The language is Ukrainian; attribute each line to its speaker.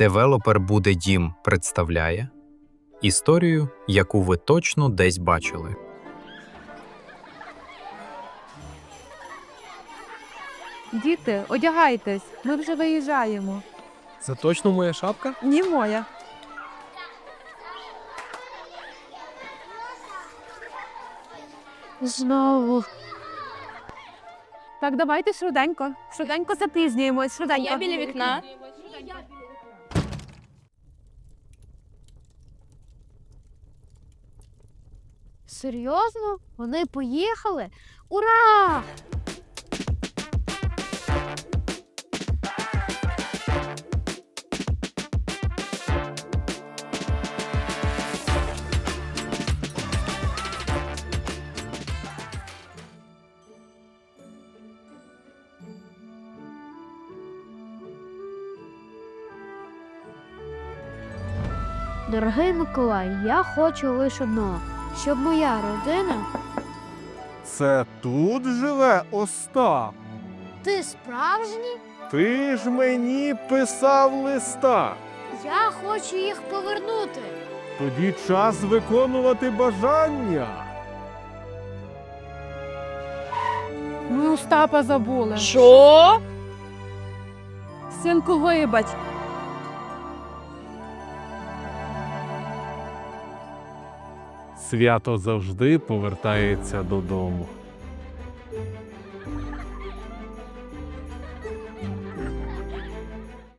Speaker 1: Девелопер «Буде дім» представляє історію, яку ви точно десь бачили.
Speaker 2: Діти, одягайтесь, ми вже виїжджаємо.
Speaker 3: Це точно моя шапка?
Speaker 2: Ні, моя.
Speaker 4: Знову.
Speaker 2: Так, давайте швиденько. Швиденько запізнюємось, швиденько.
Speaker 4: Я біля вікна. Серйозно? Вони поїхали? Ура! Дорогий Миколай, я хочу лише одного, щоб моя родина...
Speaker 5: Це тут живе Остап?
Speaker 4: Ти справжній?
Speaker 5: Ти ж мені писав листа.
Speaker 4: Я хочу їх повернути.
Speaker 5: Тоді час виконувати бажання.
Speaker 2: Ми Остапа забули.
Speaker 6: Що?
Speaker 2: Синку, вибач.
Speaker 5: Свято завжди повертається додому.